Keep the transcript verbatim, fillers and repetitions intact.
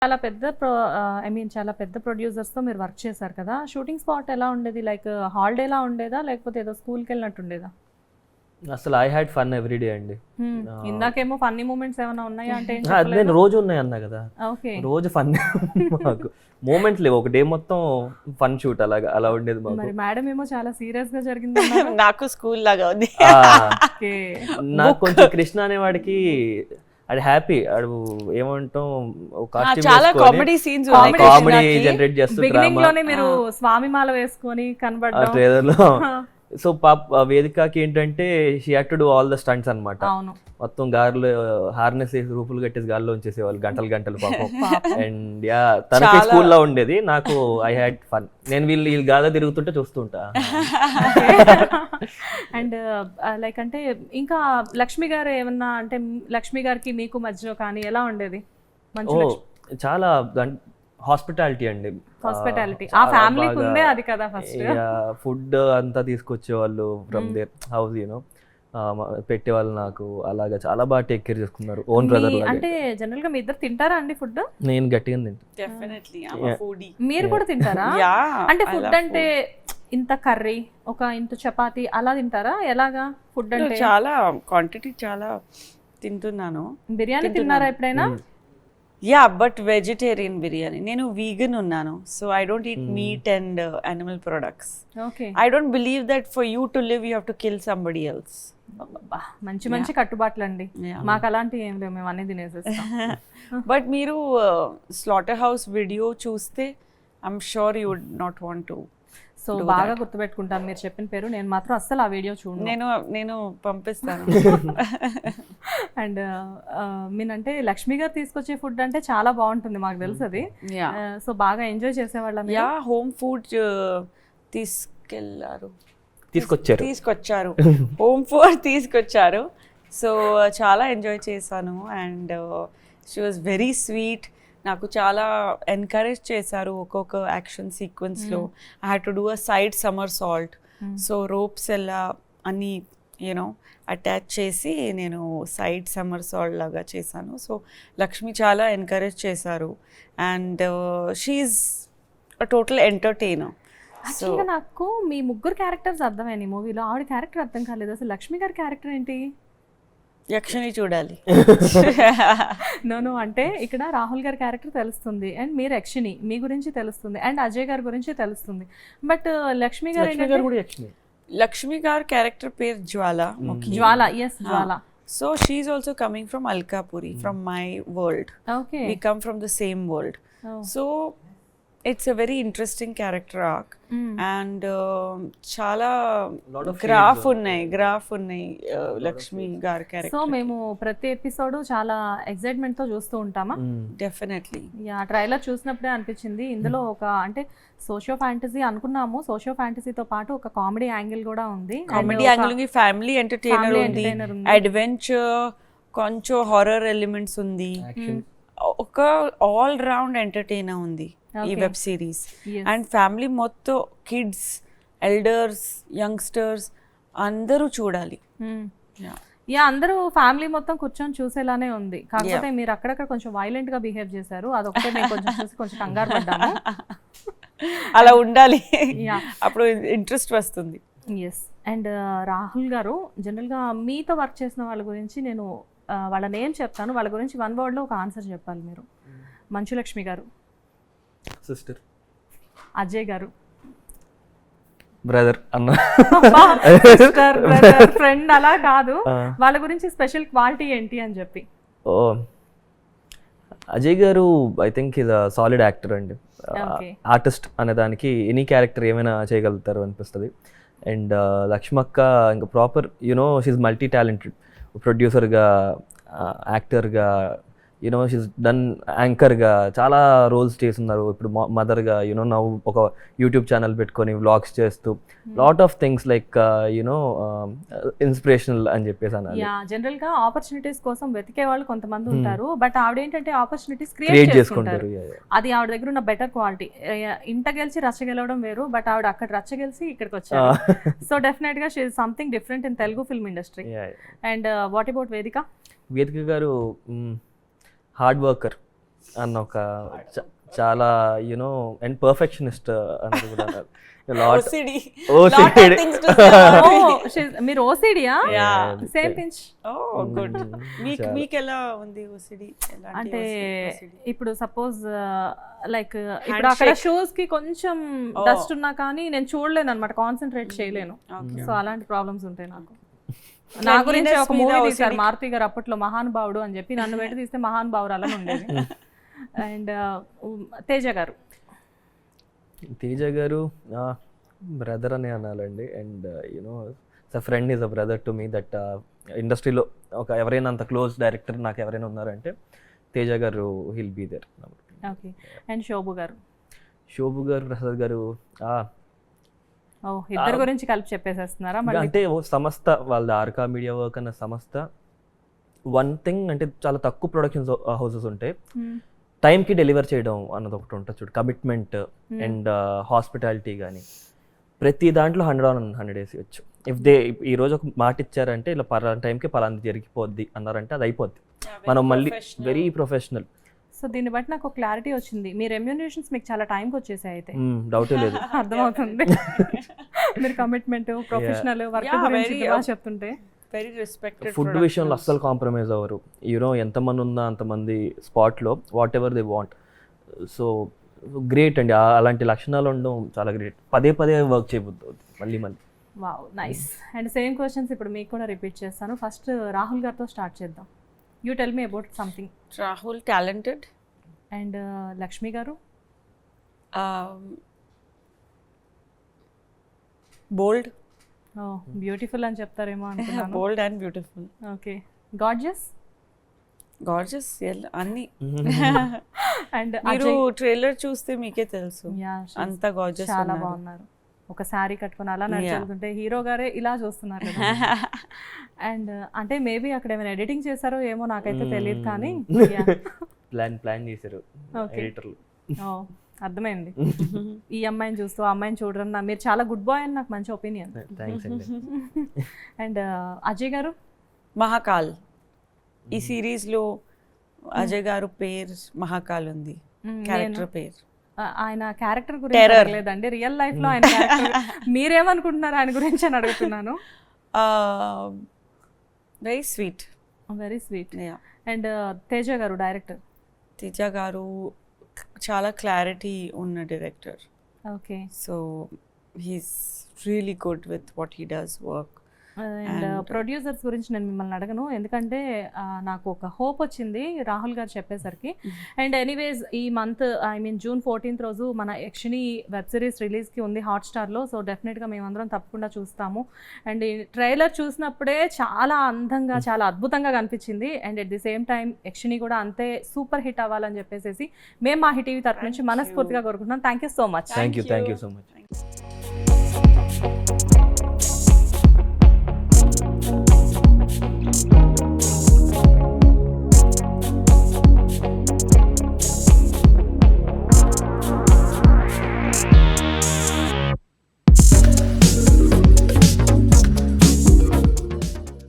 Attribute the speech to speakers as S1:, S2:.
S1: చాలా పెద్ద pro I mean చాలా పెద్ద ప్రొడ్యూసర్స్తో మీరు వర్క్ చేశారు కదా, షూటింగ్ స్పాట్ ఎలా ఉండేది? లైక్ హాలిడేలా ఉండేదా లేకపోతే ఏదో స్కూల్కి వెళ్ళినట్టు ఉండేదా?
S2: అసలు ఐ హ్యాడ్ ఫన్ ఎవ్రీడే అండి.
S1: ఇందాకేమో ఫన్నీ మూమెంట్స్ ఏమైనా ఉన్నాయా అంటే
S2: నేను రోజు ఉన్నాయి అన్నా కదా,
S1: ఓకే
S2: రోజు ఫన్ మాకు మూమెంట్స్ లేవు, ఒక డే మొత్తం ఫన్ షూట్ అలాగా అలా ఉండేది మాకు.
S1: మరి మేడం ఏమో చాలా సీరియస్ గా జరిగింది.
S3: నాకు స్కూల్ లాగా ఉంది.
S2: నాకు కొంచెం కృష్ణ అనేవాడికి అది హ్యాపీ, అడు ఏమంటాం
S3: చాలా కామెడీ సీన్స్
S2: కామెడీ జనరేట్ చేస్తూ
S1: బిగినింగ్ లోనే మీరు స్వామి మాల వేసుకొని కనబడ్డారు
S2: ట్రైలర్ లో. సో పాప వేదికకి ఏంటంటే she had to do all the stunts అన్నమాట. మొత్తం గార్లు హార్నెస్ వేసి రూపులు కట్టేసి గాల్లో ఉంచేసేవాళ్ళు గంటలు గంటలు పాపం. అండ్ యా తనకి స్కూల్లో ఉండేది, నాకు ఐ హ్యాడ్ ఫన్. నేను వీళ్ళు వీళ్ళు గాదా తిరుగుతుంటే చూస్తుంటా.
S1: అండ్ లైక్ అంటే ఇంకా లక్ష్మి గారు ఏమన్నా అంటే లక్ష్మి గారికి మీకు మధ్యలో కానీ ఎలా ఉండేది?
S2: ఓ చాలా హాస్పిటాలిటీ అండి,
S1: హాస్పిటాలిటీ ఆ ఫ్యామిలీకి ఉందే అది కదా. ఫస్ట్
S2: ఫుడ్ అంతా తీసుకొచ్చేవాళ్ళు ఫ్రమ్ దేర్ హౌస్, యూనో పెట్టేవాళ్ళు నాకు. అలాగా చాలా బాగా టేక్ కేర్ చేసుకున్నారు. ఓన్ బ్రదర్ లాగా.
S1: అంటే జనరల్ గా మీ ఇద్దరు తింటారా అండి ఫుడ్?
S2: నేను గట్టిగా తింటా.
S3: డెఫినెట్లీ
S1: మీరు కూడా తింటారా? అంటే ఫుడ్ అంటే ఇంత కర్రీ ఒక ఇంత చపాతి అలా తింటారా? ఎలాగా ఫుడ్ అంటే?
S3: చాలా క్వాంటిటీ చాలా తింటున్నాను.
S1: బిర్యానీ తిన్నారా ఎప్పుడైనా?
S3: Yeah but vegetarian biryani. నేను వీగన్ ఉన్నాను, so I don't eat meat and animal products.
S1: Okay.
S3: I don't believe that for you to live you have to kill somebody else.
S1: మంచి మంచి కట్టుబాట్లు అండి, మాకు అలాంటివి ఏం లేవు, మేము అన్ని తినేసేస్తాం.
S3: బట్ మీరు స్లాటర్ హౌస్ వీడియో చూస్తే I'm sure you would not want to.
S1: So బాగా గుర్తుపెట్టుకుంటాను మీరు చెప్పిన పేరు. నేను మాత్రం అస్సలు ఆ వీడియో చూడను.
S3: నేను నేను పంపిస్తాను.
S1: అండ్ మీనంటే లక్ష్మి గారు తీసుకొచ్చే ఫుడ్ అంటే చాలా బాగుంటుంది, మాకు తెలుసు అది. సో బాగా ఎంజాయ్ చేసేవాళ్ళం.
S3: యా హోమ్ ఫుడ్ తీసుకెళ్ళారు
S2: తీసుకొచ్చారు
S3: తీసుకొచ్చారు హోమ్ ఫుడ్ తీసుకొచ్చారు. సో చాలా ఎంజాయ్ చేశాను. And she was very sweet. నాకు చాలా ఎంకరేజ్ చేశారు ఒక్కొక్క యాక్షన్ సీక్వెన్స్లో. I had to do a side somersault. So ropes ఎలా అన్నీ యూనో అటాచ్ చేసి నేను సైడ్ సమ్మర్ సాల్ట్ లాగా చేశాను. సో లక్ష్మి చాలా ఎంకరేజ్ చేశారు. And she's a total entertainer.
S1: యాక్చువల్గా నాకు మీ ముగ్గురు క్యారెక్టర్స్ అర్థమైంది మూవీలో, ఆవిడ క్యారెక్టర్ అర్థం కాలేదు. అసలు లక్ష్మి గారి క్యారెక్టర్ ఏంటి?
S3: యక్షని చూడాలి.
S1: నోను అంటే ఇక్కడ రాహుల్ గారి క్యారెక్టర్ తెలుస్తుంది అండ్ మీరు యక్షిని, మీ గురించి తెలుస్తుంది, అండ్ అజయ్ గారి గురించి తెలుస్తుంది. బట్ లక్ష్మి గారు
S3: లక్ష్మి గారి క్యారెక్టర్ పేరు Jwala.
S1: Jwala, yes Jwala.
S3: So she's also coming from Alkapuri, from my world.
S1: Okay,
S3: we come from the same world. So it's a very interesting character arc. And చాలా గ్రాఫ్ ఉన్నాయి గ్రాఫ్ ఉన్నాయి లక్ష్మి గారి క్యారెక్టర్.
S1: సో మేము ప్రతి ఎపిసోడ్ చాలా ఎక్సైట్మెంట్ తో చూస్తూ ఉంటామా?
S3: డెఫినెట్లీ.
S1: యా ట్రైలర్ చూసినప్పుడే అనిపించింది ఇందులో ఒక అంటే సోషియో ఫ్యాంటసీ అనుకున్నాము, సోషియో ఫ్యాంటసీతో పాటు ఒక కామెడీ యాంగిల్ కూడా ఉంది.
S3: కామెడీ యాంగిల్ ఉంది, ఫ్యామిలీ ఎంటర్టైనర్ ఉంది, అడ్వెంచర్, కొంచెం హారర్ ఎలిమెంట్స్ ఉంది, ఒక ఆల్ రౌండ్ ఎంటర్టైనర్ ఉంది ఈ వెబ్ సిరీస్. అండ్ ఫ్యామిలీ మొత్తం కిడ్స్, ఎల్డర్స్, యంగ్స్టర్స్ అందరూ చూడాలి.
S1: యా అందరూ ఫ్యామిలీ మొత్తం కూర్చొని చూసేలానే ఉంది. కాకపోతే మీరు అక్కడక్కడ కొంచెం వైలెంట్ గా బిహేవ్ చేశారు, అదొకటే మేము కొంచెం చూసి కొంచెం కంగారు పడ్డాము.
S3: అలా ఉండాలి, అప్పుడు ఇంట్రెస్ట్ వస్తుంది.
S1: ఎస్. అండ్ రాహుల్ గారు జనరల్గా మీతో వర్క్ చేసిన వాళ్ళ గురించి నేను వాళ్ళ నేమ్ చెప్తాను, వాళ్ళ గురించి వన్ వర్డ్లో ఒక ఆన్సర్ చెప్పాలి మీరు. మంచు లక్ష్మి గారు,
S2: సిస్టర్.
S1: అజయ్ గారు,
S2: బ్రదర్ అన్న.
S1: సిస్టర్, బ్రదర్, ఫ్రెండ్ అలా కాదు, వాళ్ళ గురించి స్పెషల్ క్వాలిటీ ఏంటి అని చెప్పి.
S2: ఓ అజయ్ గారు I think is a solid actor అండి. ఆర్టిస్ట్ అనే దానికి ఎనీ క్యారెక్టర్ ఏమైనా చేయగలుగుతారు అనిపిస్తుంది. అండ్ లక్ష్మక్క ఇంకా proper you know she's multi talented. ప్రొడ్యూసర్గా, యాక్టర్గా, యూనో షీస్ డన్ యాంకర్గా చాలా రోల్స్ చేస్తున్నారు. ఇప్పుడు మదర్గా, యూనో నవ్వు ఒక యూట్యూబ్ ఛానల్ పెట్టుకొని వ్లాగ్స్ చేస్తూ lot of things like you know inspirational అని చెప్పేసి అన్నారు.
S1: జనరల్గా ఆపర్చునిటీస్ కోసం వెతికే వాళ్ళు కొంతమంది ఉంటారు, బట్ ఆవిడ ఏంటంటే ఆపర్చునిటీస్ క్రియేట్ చేసుకుంటారు. అది ఆవిడ దగ్గర ఉన్న బెటర్ క్వాలిటీ. ఇంట గెలిచి రచ్చ గెలవడం వేరు, బట్ ఆవిడ అక్కడ రచ్చ గెలిచి ఇక్కడికి వచ్చారు. సో డెఫినెట్ గా she is something different in Telugu film industry. And what about Vedika?
S2: Vedika గారు హార్డ్ వర్కర్, అన్న ఒక చ- చాలా యునో అండ్ పర్ఫెక్షనిస్ట్ అన్నది కూడా అన్నారు. Lot-
S3: O C D.
S2: O C D.
S3: Lot of things to say about
S1: Oh,
S3: me.
S1: she's- మీరు ఓసిడియా?
S3: Yeah.
S1: Same pinch.
S3: Oh, good. మీకు
S2: చాలా.
S3: మీకు ఎలా ఉంది ఓసిడి?
S1: అంటే ఇప్పుడు సపోజ్ లైక్ ఇప్పుడు అక్కడ
S3: Handshake.
S1: షూస్ కి కొంచెం
S3: Oh.
S1: డస్ట్ ఉన్నా కానీ నేను చూడలేను అనమాట, కాన్సన్ట్రేట్ చేయలేను.
S3: Okay.
S1: సో అలాంటి ప్రాబ్లమ్స్ ఉంటాయి నాకు. నా గురించి ఒక మూవీ తీశారు మారుతి గారు అప్పట్లో, మహానుభావుడు అని చెప్పి, నన్ను పెట్టి తీస్తే మహానుభావుడు అలా ఉండేది. అండ్ తేజ గారు.
S2: తేజ గారు బ్రదర్ అనే అనాలండి. అండ్ యూనో స friend is a brother to me. That ఇండస్ట్రీలో ఒక ఎవరైనా అంత క్లోజ్ డైరెక్టర్ నాకు ఎవరైనా ఉన్నారంటే తేజ గారు he'll be there.
S1: Okay. And Shobu గారు.
S2: శోభు గారు, ప్రసాద్ గారు ఆ,
S1: ఓ ఇద్దరు గురించి కలిపి చెప్పేసేస్తున్నారా మళ్ళీ?
S2: అంటే ఓ సంస్థ వాళ్ళది ఆర్కా మీడియా వర్క్ అన్న సంస్థ. వన్ థింగ్ అంటే చాలా తక్కువ ప్రొడక్షన్ హౌసెస్ ఉంటాయి,
S1: Hmm.
S2: టైంకి డెలివర్ చేయడం అన్నది ఒకటి ఉంటుంది చూడు, కమిట్మెంట్ అండ్ హాస్పిటాలిటీ కానీ ప్రతి దాంట్లో హండ్రెడ్ ఆన్ హండ్రెడ్ వేసి వచ్చు. ఇఫ్ దే ఈ రోజు ఒక మాట ఇచ్చారంటే ఇలా పలానా టైంకి పలానా జరిగిపోద్ది అన్నారంటే అది అయిపోద్ది. మనం మళ్ళీ వెరీ ప్రొఫెషనల్.
S1: సో దీన్ని బట్టి నాకు క్లారిటీ వచ్చింది, మీ రెమ్యూనరేషన్స్ మీకు చాలా టైంకి వచ్చేసాయి అయితే.
S2: డౌటే లేదు.
S1: అర్థమవుతుంది. మీరు కమిట్మెంట్, ప్రొఫెషనల్ వర్క్
S3: Yeah,
S1: గురించి
S3: very,
S1: బాగా చెప్తుంటే.
S3: Very respected.
S2: ఫుడ్ విషయంలో అస్సలు కాంప్రమైజ్ అవ్వరు. యూనో ఎంతమంది ఉన్నా అంతమంది స్పాట్లో whatever they want. So great అండి, ఆ- అలాంటి లక్షణాలు ఉండడం చాలా గ్రేట్. పదే పదే వర్క్ చేయబోద్దు మళ్ళీ మళ్ళీ.
S1: Wow, nice. And same questions ఇప్పుడు మీకు కూడా రిపీట్ చేస్తాను. ఫస్ట్ రాహుల్ గారితో స్టార్ట్ చేద్దాం. You tell me about something.
S3: Rahul talented.
S1: And Lakshmi గారు.
S3: బోల్డ్.
S1: ఓ బ్యూటిఫుల్ అని చెప్తారేమో అనుకున్నాను.
S3: Bold and beautiful.
S1: Okay. Gorgeous.
S3: Gorgeous అన్ని.
S1: అండ్
S3: మీరు ట్రైలర్ చూస్తే మీకే తెలుసు అంత గార్జెస్.
S1: చాలా బాగున్నారు. ఒక శారీ కట్టుకుని అలా నడుచుకుంటే హీరో గారే ఇలా చూస్తున్నారు కదా. అండ్ అంటే మేబీ అక్కడ ఏమైనా ఎడిటింగ్ చేశారో ఏమో నాకైతే తెలియదు కానీ
S2: ప్లాన్ ప్లాన్ చేశారు
S1: Okay.
S2: ఎడిటర్లు.
S1: ఓ అర్థమైంది. ఈ అమ్మాయిని చూస్తూ ఆ అమ్మాయిని చూడడం, నా మీరు చాలా గుడ్ బాయ్ అని నాకు మంచి ఒపీనియన్.
S2: థ్యాంక్స్ అండి.
S1: అండ్ అజయ్ గారు.
S3: మహాకాల్. ఈ సిరీస్ లో అజయ్ గారు పేరు మహాకాల్ ఉంది,
S1: మ్మ్,
S3: క్యారెక్టర్
S1: నేను-
S3: పేరు.
S1: ఆ- ఆయన క్యారెక్టర్ గురించి
S3: Terror.
S1: అడగలేదండి, రియల్ లైఫ్ లో ఆయన character మీరేమనుకుంటున్నారు ఆయన గురించి అని అడుగుతున్నాను.
S3: Very sweet.
S1: Very sweet. And Teja గారు డైరెక్టర్.
S3: తేజ గారు చాలా క్లారిటీ ఉన్న director.
S1: Okay.
S3: So he's really good with what he does work.
S1: And producers గురించి నేను మిమ్మల్ని అడగను, ఎందుకంటే ఆ, నాకు ఒక హోప్ వచ్చింది రాహుల్ గారు చెప్పేసరికి. అండ్ ఎనీవేస్ ఈ month I mean June fourteenth రోజు మన యక్షిని వెబ్ సిరీస్ రిలీజ్కి ఉంది హాట్స్టార్లో. సో డెఫినెట్గా మేమందరం తప్పకుండా చూస్తాము. అండ్ ఈ ట్రైలర్ చూసినప్పుడే చాలా అందంగా, చాలా అద్భుతంగా కనిపించింది. And at the same time Yakshini కూడా అంతే సూపర్ హిట్ అవ్వాలని చెప్పేసి మేము మా హిట్ టీవీ తరఫు నుంచి మనస్ఫూర్తిగా కోరుకుంటున్నాం. Thank you so much.
S2: Thank you thank you so much.